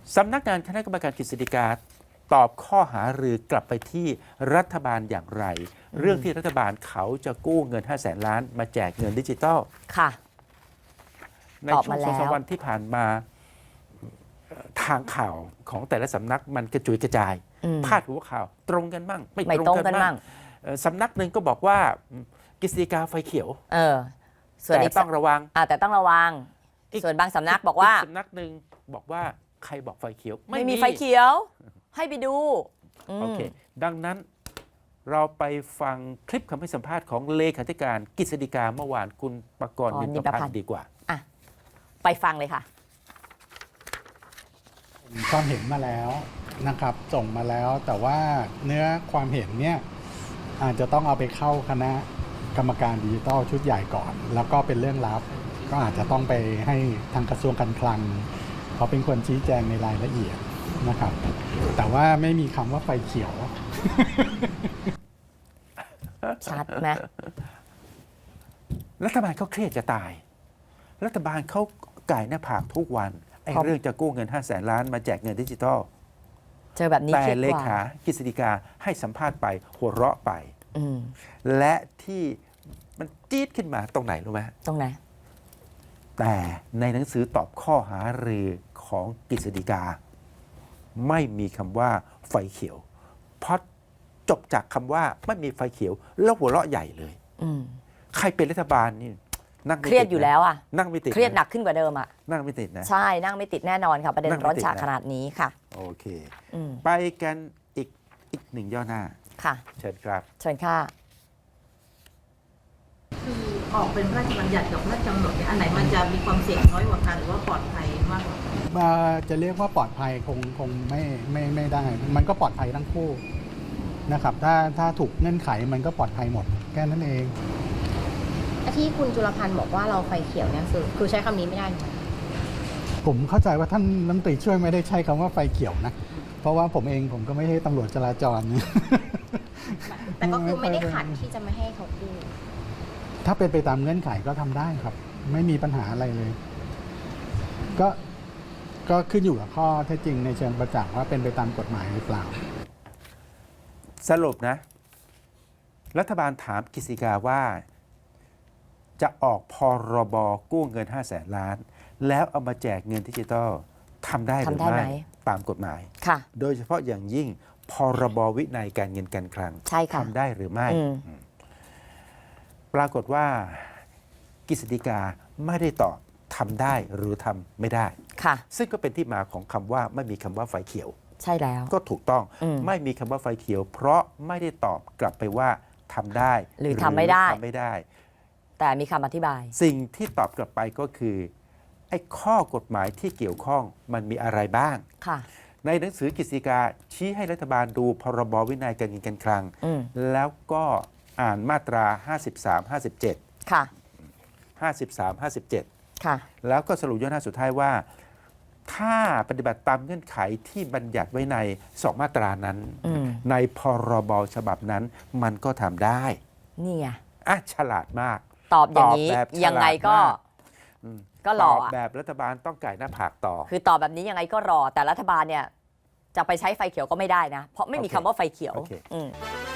สำนักงานคณะกรรมการกฤษฎีกาตอบข้อหารือกลับไปที่รัฐบาลอย่างไร เรื่องที่รัฐบาลเขาจะกู้เงิน500,000 ล้านมาแจกเงินดิจิทัลค่ะในช่วง2-3 วันที่ผ่านมาทางข่าวของแต่ละสำนักมันกระจุยกระจายพาดหัวข่าวตรงกันมั่งไม่ตรงกันมั่งสำนักหนึ่งก็บอกว่ากฤษฎีกาไฟเขียวแต่ต้องระวังแต่ต้องระวังส่วนบางสำนักบอกว่าสำนักหนึ่งบอกว่าใครบอกไฟเขียวไม่มีไฟเขียวให้ไปดูโอเคดังนั้นเราไปฟังคลิปคำให้สัมภาษณ์ของเลขาธิการกฤษฎีกาเมื่อวานคุณปกรณ์ นินประพันธ์ดีกว่าไปฟังเลยค่ะความเห็นมาแล้วนะครับส่งมาแล้วแต่ว่าเนื้อความเห็นเนี่ยอาจจะต้องเอาไปเข้าคณะกรรมการดิจิทัลชุดใหญ่ก่อนแล้วก็เป็นเรื่องลับก็อาจจะต้องไปให้ทางกระทรวงการคลังเขาเป็นคนชี้แจงในรายละเอียดนะครับแต่ว่าไม่มีคำว่าไฟเขียวชัดไหมรัฐบาลเขาเครียดจะตายรัฐบาลเขาไก่หน้าผากทุกวันไอ้เรื่องจะกู้เงิน500,000 ล้านมาแจกเงินดิจิทัลเจอแบบนี้แต่เลขากฤษฎีกาให้สัมภาษณ์ไปหัวเราะไปและที่มันจี๊ดขึ้นมาตรงไหนรู้ไหมตรงไหนแต่ในหนังสือตอบข้อหารือของกฤษฎีกาไม่มีคำว่าไฟเขียวเพราะจบจากคำว่าไม่มีไฟเขียวแล้วหัวเราะใหญ่เลยใครเป็นรัฐบาลนี่นั่งเครียดอยู่แล้วนั่งไม่ติดเครียดหนักขึ้นกว่าเดิมนั่งไม่ติดนะใช่นั่งไม่ติดแน่นอนค่ะประเด็นร้อนฉากขนาดนี้ค่ะโอเคไปกันอีกหนึ่งย่อหน้าค่ะเชิญครับเชิญค่ะคือออกเป็นพระราชบัญญัติกับพระราชกำหนดเนี่ยอันไหนมันจะมีความเสี่ยงน้อยกว่ากันหรือว่าปลอดภัยมากกว่าจะเรียกว่าปลอดภัยคงไม่ได้มันก็ปลอดภัยทั้งคู่นะครับถ้าถูกเงื่อนไขมันก็ปลอดภัยหมดแค่นั้นเองที่คุณจุลพันธ์บอกว่าเราไฟเขียวเนี่ยคือใช้คำนี้ไม่ได้ไหมผมเข้าใจว่าท่านรัฐมนตรีช่วยไม่ได้ใช้คำว่าไฟเขียวนะเพราะว่าผมก็ไม่ใช่ตำรวจจราจรแต่ก็คือไม่ได้ขัดที่จะไม่ให้เขากู้ถ้าเป็นไปตามเงื่อนไขก็ทำได้ครับไม่มีปัญหาอะไรเลยก็ขึ้นอยู่กับข้อเท็จจริงในเชิงประจักษ์ว่าเป็นไปตามกฎหมายหรือเปล่าสรุปนะรัฐบาลถามกฤษฎีกาว่าจะออกพรบกู้เงิน500,000 ล้านแล้วเอามาแจกเงินดิจิทัลทำได้หรือไม่ตามกฎหมายโดยเฉพาะอย่างยิ่งพรบวินัยการเงินการคลังทำได้หรือไม่ปรากฏว่ากฤษฎีกาไม่ได้ตอบทำได้หรือทำไม่ได้ซึ่งก็เป็นที่มาของคำว่าไม่มีคำว่าไฟเขียวใช่แล้วก็ถูกต้องไม่มีคำว่าไฟเขียวเพราะไม่ได้ตอบกลับไปว่าทำได้หรือทำไม่ได้แต่มีคำอธิบายสิ่งที่ตอบกลับไปก็คือไอ้ข้อกฎหมายที่เกี่ยวข้องมันมีอะไรบ้างในหนังสือกฤษฎีกาชี้ให้รัฐบาลดูพรบวินัยการเงินการคลังแล้วก็อ่านมาตรา53 57 ค่ะ 53 57แล้วก็สรุปย่อหน้าสุดท้ายว่าถ้าปฏิบัติตามเงื่อนไขที่บัญญัติไว้ใน2 มาตรานั้นในพรบฉบับนั้นมันก็ทำได้นี่ไงฉลาดมากตอบอย่างนี้ยังไงก็รอแบบรัฐบาลต้องไก่หน้าผากต่อคือตอบแบบนี้ยังไงก็รอแต่รัฐบาลเนี่ยจะไปใช้ไฟเขียวก็ไม่ได้นะเพราะไม่มีคำว่าไฟเขียว